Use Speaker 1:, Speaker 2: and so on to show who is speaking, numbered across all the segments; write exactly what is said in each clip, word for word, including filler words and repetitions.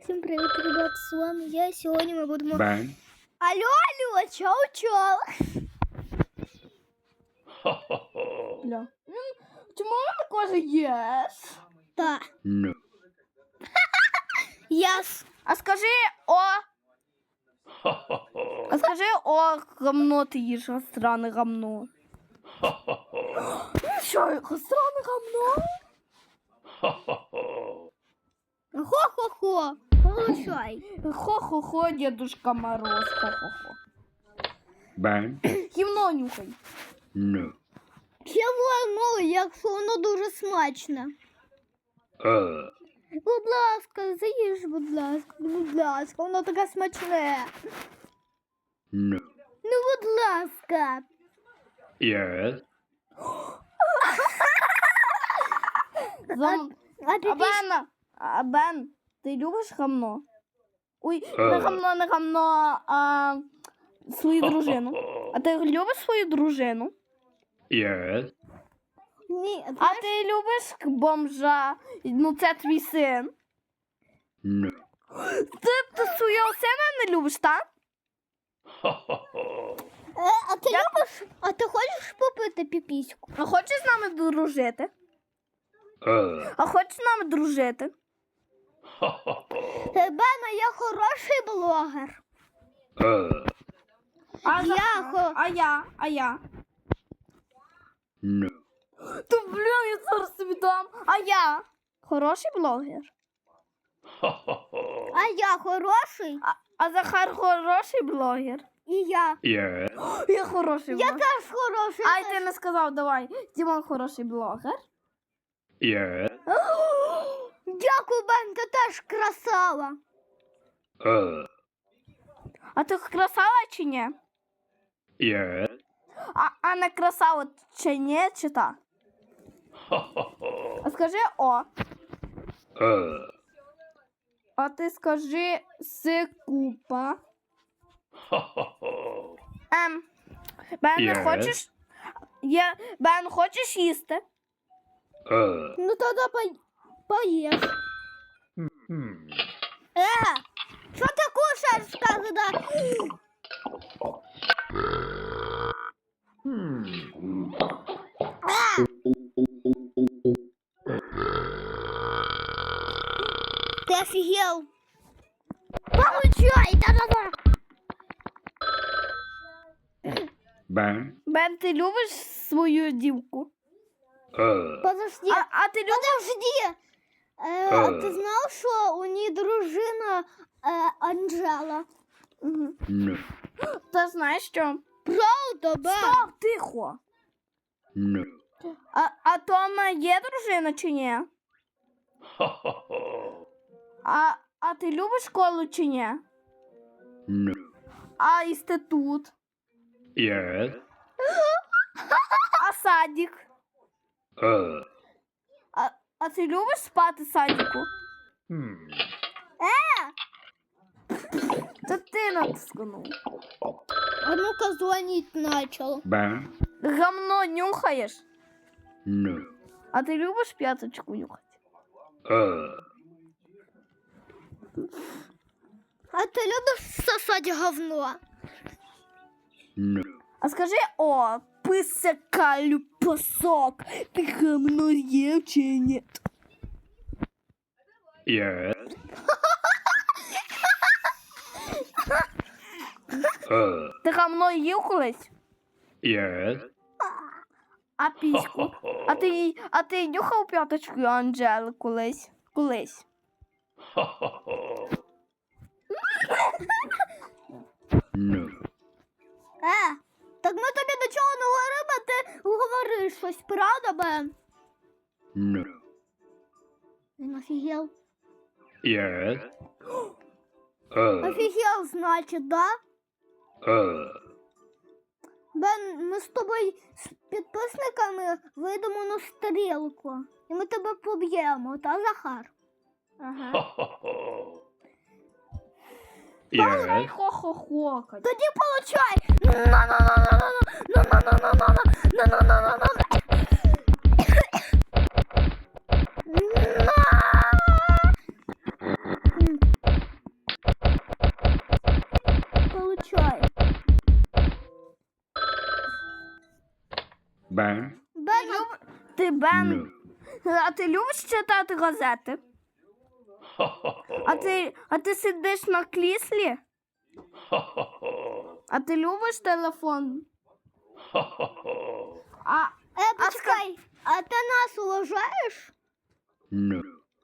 Speaker 1: Всім привіт, ребят, з вами я. Сьогодні ми будемо...
Speaker 2: Бен.
Speaker 1: Алло, алло, чау-чау.
Speaker 3: Бля. Чому вона каже єс?
Speaker 1: Так.
Speaker 2: No.
Speaker 1: Яс.
Speaker 3: А скажи о. А скажи о, гамно ти їш, гастране гамно. Що, гастране гамно?
Speaker 1: Хо-хо-хо. Получай.
Speaker 3: Хо-хо-хо, Дедушка Мороз, хо-хо-хо.
Speaker 2: Бен.
Speaker 3: Гівно нюхай.
Speaker 2: No.
Speaker 1: Чого, ну, якщо воно дуже смачне.
Speaker 2: Uh.
Speaker 1: Будь ласка, заїж, будь ласка, будь ласка, воно таке смачне.
Speaker 2: No.
Speaker 1: Ну, будь ласка.
Speaker 2: Yes.
Speaker 3: Зам...
Speaker 1: А ти
Speaker 3: А Бен, а Бен, ти любиш гамно? Ой, не
Speaker 2: Е.
Speaker 3: гамно, не гамно, а свою дружину. А ти любиш свою дружину?
Speaker 2: Yes.
Speaker 1: Ні,
Speaker 3: А ти любиш бомжа? Ну це твій син.
Speaker 2: No.
Speaker 3: Ти, ти свого сина не любиш, так?
Speaker 1: Е, а ти любиш, а ти хочеш попити піпіську?
Speaker 3: А хочеш з нами дружити?
Speaker 2: Uh.
Speaker 3: А хочеш з нами дружити?
Speaker 1: Е, Бена, я хороший блогер.
Speaker 2: Uh.
Speaker 3: А
Speaker 1: Я хо...
Speaker 3: А я? А я?
Speaker 2: No.
Speaker 3: То, блін, я зараз тобі дам. А я? Хороший блогер.
Speaker 1: А я хороший?
Speaker 3: А, а Захар хороший блогер.
Speaker 1: І я.
Speaker 2: Yes.
Speaker 3: Я хороший
Speaker 1: Я
Speaker 3: блогер.
Speaker 1: теж хороший.
Speaker 3: Ай, ти не сказав, давай. Дімон хороший блогер.
Speaker 2: Yes.
Speaker 1: Дякую, Бен, ти теж красава.
Speaker 2: Uh.
Speaker 3: А ти красава чи ні?
Speaker 2: Yes.
Speaker 3: А, а не красава чи ні, чи так? А скажи о.
Speaker 2: Uh.
Speaker 3: А ти скажи сикупа. Ем. Бен, не
Speaker 2: Yes.
Speaker 3: хочеш? Є... Бен, хочеш їсти?
Speaker 2: Uh.
Speaker 1: Ну тоді по... поїж.
Speaker 2: Hmm.
Speaker 1: Е, що ти кушаєш, когда?
Speaker 2: Hmm.
Speaker 1: Е, ти офігел? Получай, да-да-да.
Speaker 2: Bang.
Speaker 3: Бен, ти любиш свою дівку?
Speaker 2: Uh.
Speaker 1: Подожди,
Speaker 3: А, а ти любиш?
Speaker 1: подожди. Е, а
Speaker 2: Е.
Speaker 1: ти знав, що у неї дружина е, Анжела?
Speaker 3: Угу.
Speaker 2: No.
Speaker 3: Ти знаєш що?
Speaker 1: Правда, Бен?
Speaker 3: Стоп, тихо.
Speaker 2: No.
Speaker 3: А, а Тома є дружина чи ні? А, а ти любиш школу чи ні?
Speaker 2: No.
Speaker 3: А інститут?
Speaker 2: Yes.
Speaker 3: А садик?
Speaker 2: Uh.
Speaker 3: А, а ти любиш спати в садику?
Speaker 2: Hmm.
Speaker 3: Та ти натискнув.
Speaker 1: А ну-ка дзвонить начал.
Speaker 2: Bang.
Speaker 3: Гамно нюхаєш?
Speaker 2: No.
Speaker 3: А ти любиш п'яточку нюхати?
Speaker 2: Uh.
Speaker 1: А ти любиш сосати говно?
Speaker 2: No.
Speaker 3: А скажи о, писака люпосок, ти гамно їв чи ні?
Speaker 2: Yes. Uh.
Speaker 3: Ти гамно їв колись?
Speaker 2: Yes.
Speaker 3: А піську? А ти, а ти нюхав п'яточку Анжели колись? Колись.
Speaker 2: No.
Speaker 1: Е, так ми тобі до чого не говоримо, а ти говориш щось, правда, Бен?
Speaker 2: No.
Speaker 1: Він офігел.
Speaker 2: Yes. Uh.
Speaker 1: Офігел, значить, да?
Speaker 2: Uh.
Speaker 1: Бен, ми з тобою з підписниками вийдемо на стрілку. І ми тебе поб'ємо, та, Захар?
Speaker 3: Ага.
Speaker 2: Yes.
Speaker 3: Хо-хо-хо.
Speaker 1: Тоді получай! На-на-на-на-на-на-на-на-на-на-на-на-на-на-на-на.
Speaker 2: Ben.
Speaker 1: Бен,
Speaker 3: Люб... Ти Бен.
Speaker 2: No.
Speaker 3: А ти любиш читати газети? А ти, а ти сидиш на кріслі? А ти любиш телефон? А,
Speaker 1: е, почекай, а ти нас уважаєш?
Speaker 2: No.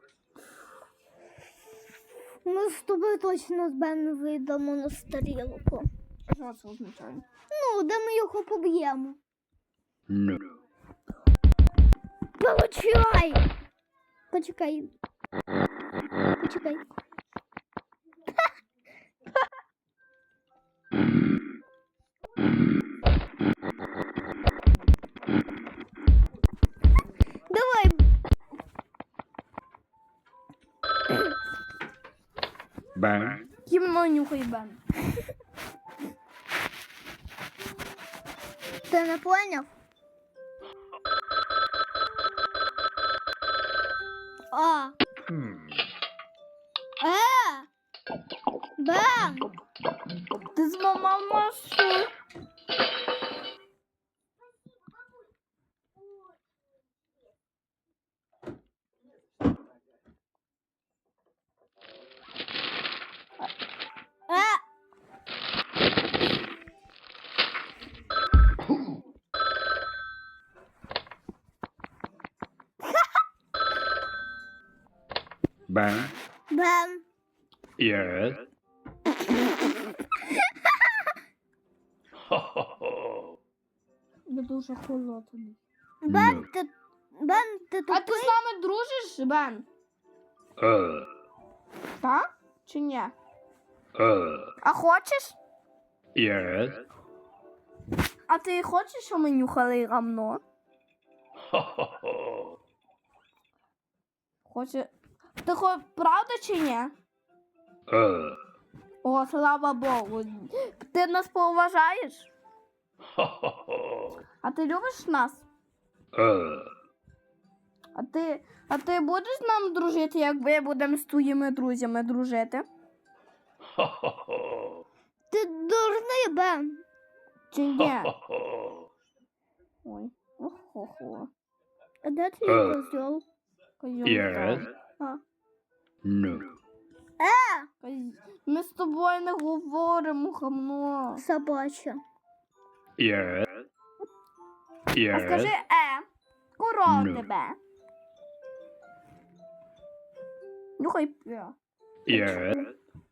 Speaker 1: Ми з тобою точно з Беном вийдемо на стрілку.
Speaker 3: що це означає?
Speaker 1: Ну, де ми його поб'ємо.
Speaker 2: No.
Speaker 1: Получай! Почекай. Почекай. Давай.
Speaker 2: Ben.
Speaker 3: Кімно нюхай Бен.
Speaker 1: Ти не поняв? А.
Speaker 2: Hmm.
Speaker 1: Е! Бен!
Speaker 3: Ти зламав машу.
Speaker 1: Е!
Speaker 2: Ben.
Speaker 1: Бен!
Speaker 2: Yes.
Speaker 3: Ви дуже холодний.
Speaker 1: Бен,
Speaker 2: No.
Speaker 1: ти... Бен, ти
Speaker 3: А ти
Speaker 1: тупий?
Speaker 3: з нами дружиш, Бен?
Speaker 2: Uh.
Speaker 3: Так? Чи ні?
Speaker 2: Uh.
Speaker 3: А хочеш?
Speaker 2: Yes.
Speaker 3: А ти хочеш, щоб ми нюхали гамно? Хоче. Ти хоч правда чи ні?
Speaker 2: Uh.
Speaker 3: О, слава Богу. Ти нас поважаєш? А ти любиш нас?
Speaker 2: Uh.
Speaker 3: А ти, а ти будеш з нами дружити, як ми будемо з твоїми друзями дружити?
Speaker 1: Ти дурний, Бен.
Speaker 3: Чи ні? Ой. Охо-хо.
Speaker 1: А де твій
Speaker 2: Е.
Speaker 1: козьол?
Speaker 3: Козьол
Speaker 2: Yes.
Speaker 3: там.
Speaker 1: А.
Speaker 2: No.
Speaker 1: Е!
Speaker 3: Коз- Ми з тобою не говоримо, гамно.
Speaker 1: Собача.
Speaker 2: Yes.
Speaker 3: А скажи
Speaker 2: Yes.
Speaker 3: е. Корова
Speaker 2: Ну.
Speaker 3: тебе. Нюхай п'я.
Speaker 2: Yes.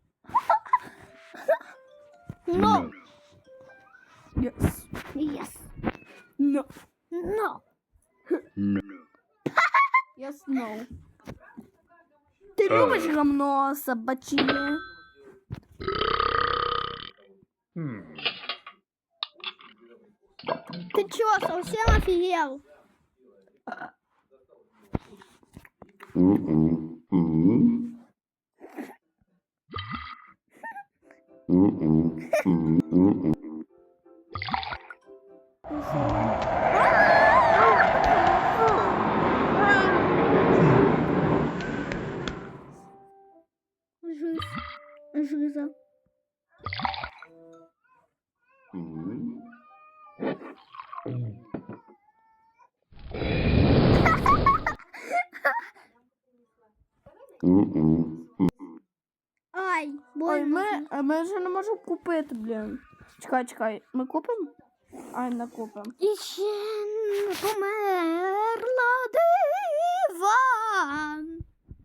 Speaker 1: No.
Speaker 3: Yes.
Speaker 1: Yes.
Speaker 3: No.
Speaker 1: No.
Speaker 2: No.
Speaker 3: Yes, no. Ти
Speaker 2: Е.
Speaker 3: любиш гамно собачине?
Speaker 2: Hmm.
Speaker 1: Ты чё, совсем офигел?
Speaker 2: Mm-mm. Mm. Mm-mm. Mm-mm.
Speaker 1: Жизнь. Жиза.
Speaker 2: Mm. Mm-mm.
Speaker 1: Ай,
Speaker 3: Ой,
Speaker 1: больно.
Speaker 3: ми, а ми вже не можемо купити, блін. Чекай, чекай, ми купимо? Ай, не купимо.
Speaker 1: І ще не померла диван.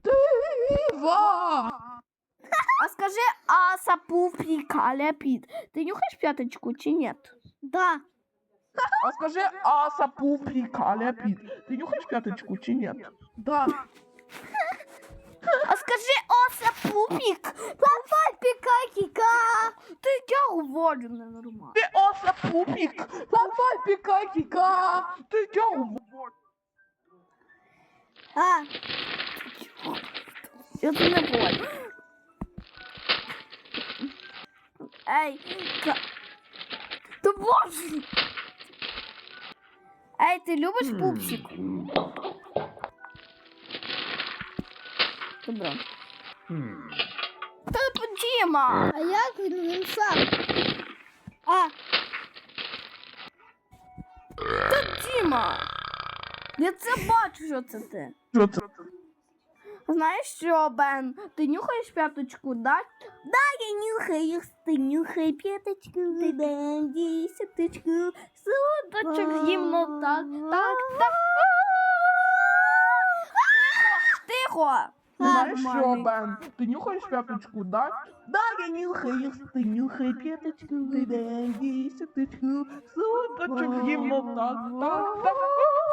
Speaker 3: Дива! А скажи, а сапу прикаля під. Ти нюхаєш п'яточку чи ні?
Speaker 1: Да.
Speaker 4: А скажи, а сапу прикаля під. Ти нюхаєш п'яточку чи ні? Да.
Speaker 3: А скажи, о сапупік.
Speaker 1: Давай, пікай, кіка.
Speaker 3: Ти я говорю ненормально.
Speaker 4: Ти о сапупік. Давай пікай кіка. Ти дьогу.
Speaker 1: А,
Speaker 3: Я це не говорю. Ей, та... Та боже! Ей, ти любиш пупсик? Добре.
Speaker 2: Hmm.
Speaker 3: Та Діма!
Speaker 1: а як він, він сам? А,
Speaker 3: Та Діма! Діма! Я це бачу, що це ти.
Speaker 4: Що це?
Speaker 3: Знаєш що, Бен? Ти нюхаєш п'яточку, да? Да, я нюхаю, ти нюхай п'яточку, ти дай десяточку, судочок гімно, так, так, так. Тихо!
Speaker 4: Знаєш що,
Speaker 3: Нормальний.
Speaker 4: Бен? Ти нюхаєш п'яточку, да? Да, я нюхаю, ти нюхай п'яточку, ти дай десяточку, судочок гімно, так, так, так.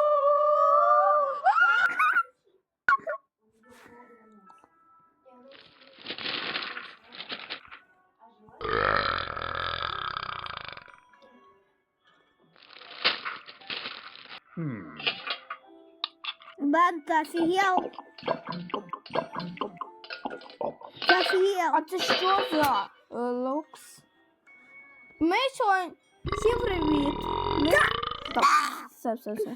Speaker 2: Hmm.
Speaker 1: Бен, ти офігел? Ти офігел?
Speaker 3: А це що за е, лукс? Ми сьогодні... Всім привіт! Ми... Так, все, все, все.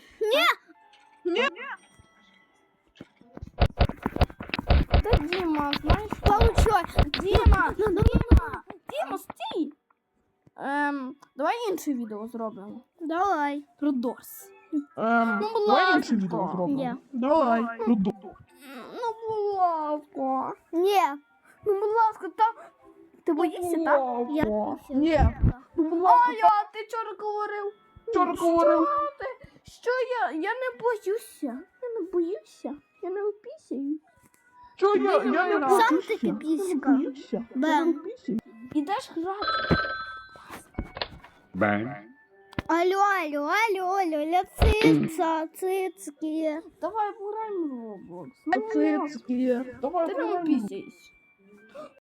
Speaker 3: Та Діма, знаєш що?
Speaker 1: Получай.
Speaker 3: Діма, Діма, Діма, стій! Ем, давай інше відео зробимо.
Speaker 1: Давай.
Speaker 3: Про Дорс.
Speaker 4: Ем,
Speaker 3: Ну, будь
Speaker 4: давай
Speaker 3: ласка.
Speaker 4: інше відео
Speaker 1: Ні.
Speaker 4: зробимо. Давай. Ну, ду-
Speaker 3: Ну, будь ласка.
Speaker 1: Ні.
Speaker 3: Ну, будь ласка, там... Ти боїшся, так?
Speaker 1: Я
Speaker 4: Ласка. Ні. Ну, будь
Speaker 3: А
Speaker 4: ласка,
Speaker 3: я, ти вчора говорив.
Speaker 4: вчора говорив.
Speaker 3: Що ти? Що я? Я не боюся. Я не боюся. Я не опісяю.
Speaker 4: Що я? Я не
Speaker 3: Сам
Speaker 4: боюся.
Speaker 1: таки
Speaker 4: Я не
Speaker 1: піська.
Speaker 4: боюся. Я не
Speaker 1: Бен.
Speaker 4: боюся.
Speaker 3: Ідеш грати.
Speaker 2: Bang.
Speaker 1: Алло, алло, алло, алло, алло, цица, цицки.
Speaker 3: Давай пограємо в Roblox. Ну,
Speaker 4: Цицьки. Давай
Speaker 3: Ти не
Speaker 4: пограємо.
Speaker 3: опісяєш.